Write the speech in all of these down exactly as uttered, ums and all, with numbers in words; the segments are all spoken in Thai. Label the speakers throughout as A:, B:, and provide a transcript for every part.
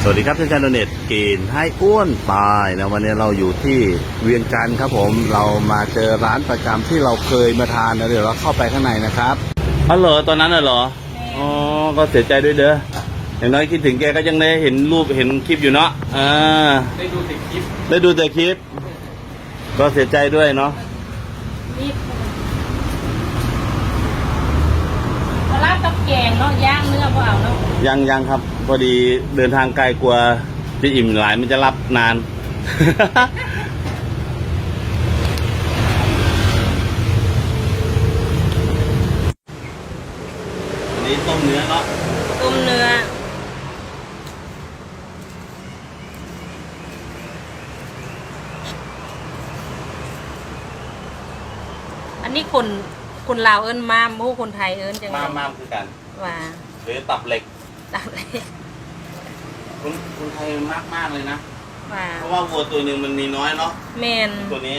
A: สวัสดีครับท่านชาโดเน็ตกินให้อ้วนตายนะวันนี้เราอยู่ที่เวียงจันทร์ครับผมเรามาเจอร้านประจำที่เราเคยมาทานนะเดี๋ยวเราเข้าไปข้างในนะครับอ๋อเหรอตอนนั้นน่ะเหรออ๋อก็เสียใจด้วยเด้ออย่างน้อยคิดถึงแกก็ยังได้เห็นรูปเห็นคลิปอยู่เนาะอ่า
B: ได้ดูแต่คลิป
A: ได้ดูแต่คลิปก็เสียใจด้วยเนาะ
C: ลาบกับแกงเนาะย่างเนื้อเปล่าเนาะ
A: ยังยังครับพอดีเดินทางไกลกลัวจะอิ่มหลายมันจะรับนาน อันนี้ต้มเนื้อเนาะ
C: ต้มเนื้ออันนี้คนคนลาวเอิ้นมามผู้คนไทยเอิ้นจัง
A: มามมามคือกัน
C: ว่า
A: หรือตับเหล็ก
C: ตับเหล็ก
A: คนคนไทยมากมากเลยนะ
C: ว่า
A: เพราะว่าวัวตัวหนึ่งมันมีน้อยเนาะ
C: เมน
A: ตัวนี้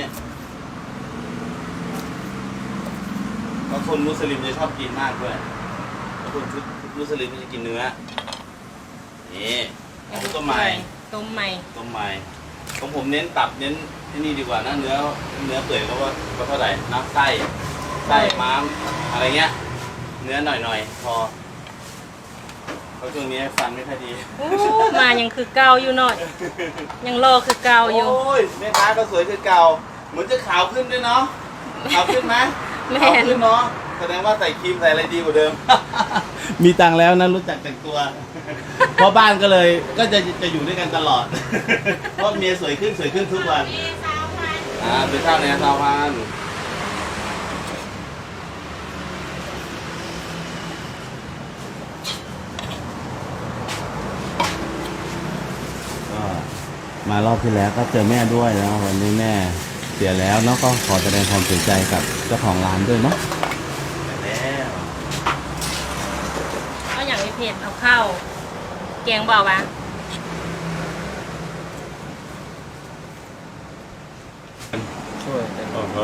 A: เพราะคนมุสลิมจะชอบกินมากด้วยคนมุสลิมจะกินเนื้อนี่ต้มใหม่
C: ต้มใหม่
A: ต้มใหม่ของผมเน้นตับเน้นที่นี่ดีกว่านะเนื้อเนื้อเปื่อยก็ว่าก็เท่าไหร่นะไส้ไส้ม้ามอะไรเงี้ยเนื้อหน่อยๆพอเพราะช่วงนี้ฟันไม่ค่อยดี
C: มายังคือเก่าอยู่หน่อยยังรอคือเก่าอยู่
A: โอ้ยแม่ค้าก็สวยคือเก่าเหมือนจะขาวขึ้นด้วยเนาะขาวขึ้นไหมขาวขึ้นเนาะแสดงว่าใส่ครีมใส่อะไรดีกว่าเดิมมีตังแล้วนะรู้จักแต่งตัวเพราะบ้านก็เลยก็จะจะอยู่ด้วยกันตลอดเพราะเมียสวยขึ้นสวยขึ้นทุกวันอ่าเป็นข้าวในซาวพันมารอบที่แล้วก็เจอแม่ด้วยนะวันนี้แม่เสียแล้วเนาะก็ขอแสดงความเสียใจกับเจ้าของร้านด้วยเนาะแล้ว
C: เอาอย่างไม่เผ็ดเอาข้าวแกงเบาปะ
B: ช่วย
A: โอ้โห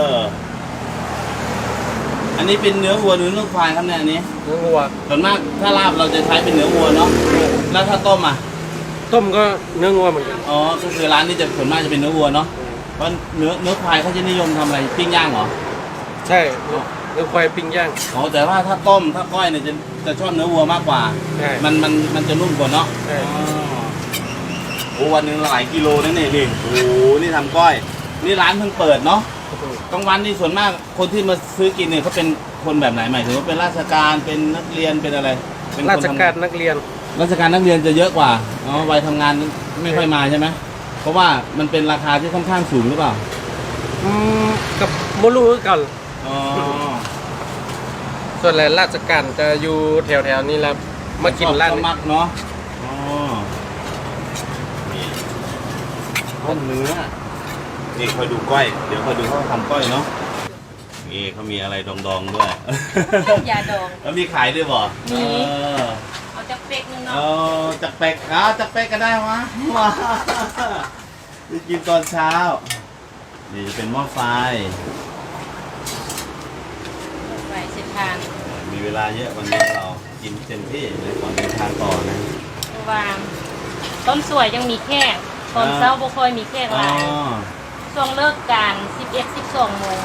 A: อันนี้เป็นเนื้อวัวหรือเนื้อควายครับเนี่ยอันนี้
B: เนื้อวัว
A: ส่วนมากถ้าลาบเราจะใช้เป็นเนื้อวัวเนาะแล้วถ้าต้มอ่ะ
B: ต้มก็เนื้อวัวเหมือนกัน
A: อ๋อก็คือร้านนี้จะส่วนมากจะเป็นเนื้อวัวเนาะเพราะเนื้อเนื้อควายเขาจะนิยมทำอะไรปิ้งย่างเหรอ
B: ใช่เนื้อควายปิ้งย่าง
A: อ๋อแต่ว่าถ้าต้มถ้าก้อยเนี่ยจะจะชอบเนื้อวัวมากกว่ามันมันมันจะนุ่มกว่าเนาะโอ้วันนึงหลายกิโลนั่นเองนี่โอ้นี่ทำก้อยนี่ร้านเพิ่งเปิดเนาะกลางวันนี่ส่วนมากคนที่มาซื้อกินเนี่ยเขาเป็นคนแบบไหนหมายถึงว่าเป็นราชการเป็นนักเรียนเป็นอะไร
B: เป็นราชการนักเรียน
A: ราชการนักเรียนจะเยอะกว่าอ๋อวัยทำงานไม่ค่อยมาใช่ไหมเพราะว่ามันเป็นราคาที่ค่อนข้างสูงหรือเปล่า
B: อืมกับโมลูกัน
A: อ๋อ
B: ส่วนแหล่ราชการจะอยู่แถวๆนี้แล้วมากินร้าน
A: มักเนาะอ๋อต้มเนื้อนี่คอยดูก้อยเดี๋ยวคอยดูเขาทำก้อยเนาะนี่เขามีอะไรดองๆด้วย
C: ยาดอง
A: แล้วมีขายด้วยบ่
C: มีเอาจักเป๊กนึงเนาะ
A: เออจักเป๊กอ้าวจักเป๊กก็ได้วะว้าจะกินตอนเช้านี่จะเป็นหม้อไฟ
C: ไฟเสร็จทาน
A: มีเวลาเยอะวันนี้เรากินเต็มที่เลยก่อนเดินทางต่อนะ
C: วางต้นสวยยังมีแค่ตอนเช้าบ่ค่อยมีแค่หลายช่วงเลิกการสิบเอ็ด สิบสองโมง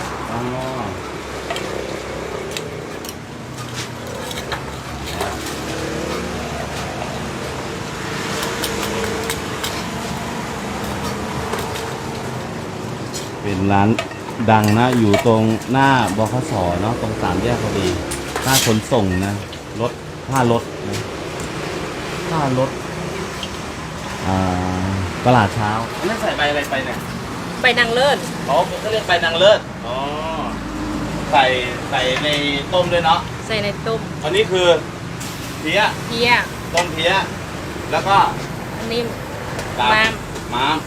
A: เป็นร้านดังนะอยู่ตรงหน้าบขส.เนาะตรงสามแยกพอดีหน้าขนส่งนะรถผ้ารถนะผ้ารถอ่าตลาดเช้าอันนั้นใส่ใบอะไรไปเนี่ย
C: ใบนางเลิศ
A: อ๋อเขาเรียกใบนางเลิศอ๋อใส่ใส่ในต้มด้วยเนาะ
C: ใส่ในต้ม
A: อันนี้คือเพี้ย
C: เพี้ย
A: ต้มเพี้ยแล้วก็
C: อันนี้
A: ม้ามม้าม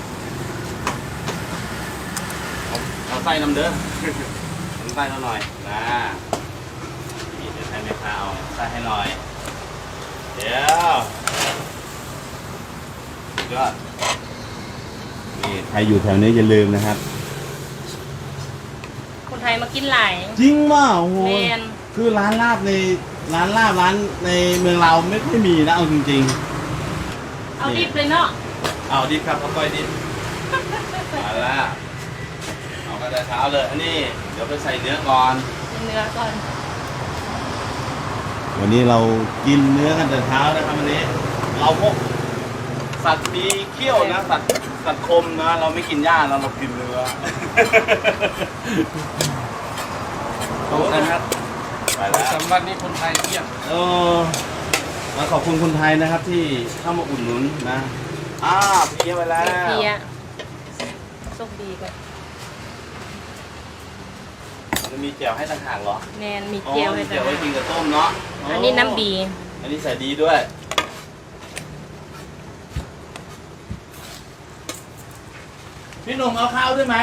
A: เอาไส้น้ำเด้อเอาไส้เราหน่อยนะนี่เดี๋ยวให้แม่ค้าเอาไส้ให้หน่อยเดี๋ยวก็นี่ใครอยู่แถวนี้อย่าลืมนะครับ
C: คนไทยมากินหลาย
A: จริงป่ะโอ้โหคือร้านลาบในร้านลาบร้านในเมืองเราไม่ค่อยมีนะเอาจริงๆ
C: เอาดิบเลยเนาะ
A: เอาดิบครับเอาก้อยดิบมาละเอากระเท้าเลย อันนี้เดี๋ยวไปใส่เนื้อก่อน
C: เนื้อก่อน
A: วันนี้เรากินเนื้อกันแต่เช้านะครับวันนี้ เราพวกสัตว์มีเขี้ยวนะสัตว์สัตว์คมนะ เราไม่กินหญ้าเราเรากินเนื้อ
B: ขอบคุณครับ
A: ไปแล้ว
B: สำหรับนี่คนไทยเที่ยง
A: เออมาขอบคุณคนไทยนะครับที่เข้ามาอุดหนุนนะอ้าเพียไปแล้ว
C: เพียโชคดีก่อน
A: มันมีแจ่วให้ต่างหากเหรอ
C: แมนมี
A: อ๋อ
C: เจียว
A: มี
C: ให้
A: แจ่
C: ด้
A: ว
C: ว
A: ไว้
C: ย
A: กินกับต้มเนาะ
C: อันนี้น้ำดี
A: อันนี้ใส่ดีด้วยพี่หนุ่มเอาข้าวด้วยไหม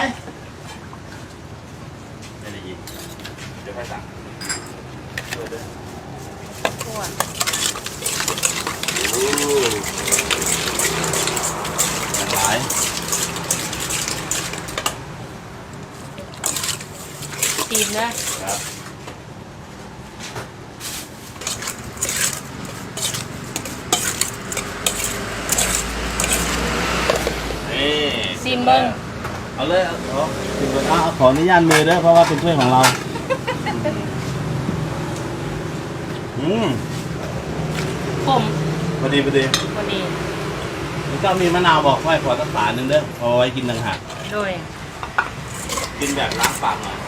A: ไม่ได้ยินเดี๋ยวค่อยสั่งช่วยด้วย
C: ทั่ว
A: โอ้หลาย
C: ตีนนะครับ
A: นี่
C: ซีมเบิ้ง
A: เอาเลยเอาเอาซิมเบิ้งเอาเอาขออนุญาตมือด้วยเพราะว่าเป็นถ้วยของเรา อืม
C: ขม
A: พอดีพอดี
C: พอดี
A: แล้วก็มีมะนาวบอกค่อยขอสักฝาหนึ่งเด้อเอาไว้กินต่างหาก
C: โดย
A: กินแบบล้างปากหน่อย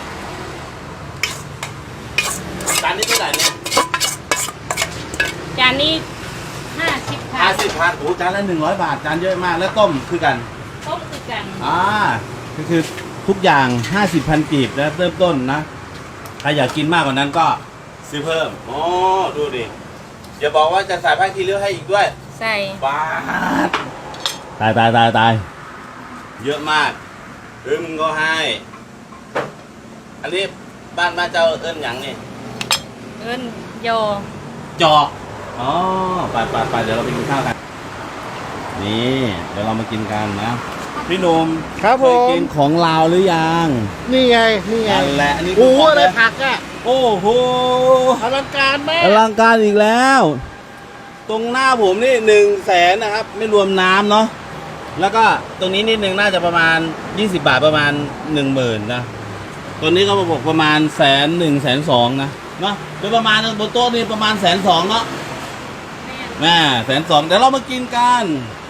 A: จานนี้เท่าไหร่เนี่ย
C: จานนี้ห้าสิบพั
A: ห้าน สิบพันโอ้จานละหนึ่งร้อยบาทจานเยอะมากแล้วต้มคือกัน
C: ต้มคือกัน
A: อ่าก็คือทุกอย่างห้าสิบพันกีบนะเริ่มต้นนะใครอยากกินมากกว่านั้นก็ซื้อเพิ่มอ๋อดูดิอย่าบอกว่าจะใส่ผ้าคีริ้วให้อีกด้วย
C: ใส่
A: บาทตายตายตายตายเยอะมากเอิ้มก็ให้ อันนี้บ้านบ้านเจ้าเอิ้นหยังนี่
C: เอิ้นโย
A: จอกอ๋อไปไปไปเดี๋ยวเราไปกินข้าวกัน นี่เดี๋ยวเรามากินกันนะ พี่หนุ่ม
B: ครับ
A: เค
B: ผ
A: ย
B: ม
A: กินของลาวหรือยัง
B: นี่ไง นี่ไง
A: นั่นแหละอันนี้คื
B: โอ้
A: อ
B: โห
A: ของ
B: อะไร
A: แท้
B: ผักอ่ะ
A: โอ้โห
B: อลังการมาก
A: อลังการอีกแล้ว ตรงหน้าผมนี่หนึ่งแสนนะครับ ไม่รวมน้ำเนาะแล้วก็ตรงนี้นิดนึงน่าจะประมาณยี่สิบบาทประมาณหนึ่งหมื่นนะตัวนี้ก็บอกประมาณแสนหนึ่งแสนสองนะเนาะโดยประมาณบนโต๊ะนี่ประมาณแสนสองเนาะ
C: แม่น
A: แม่แสนสองเดี๋ยวเรามากินกัน
C: เ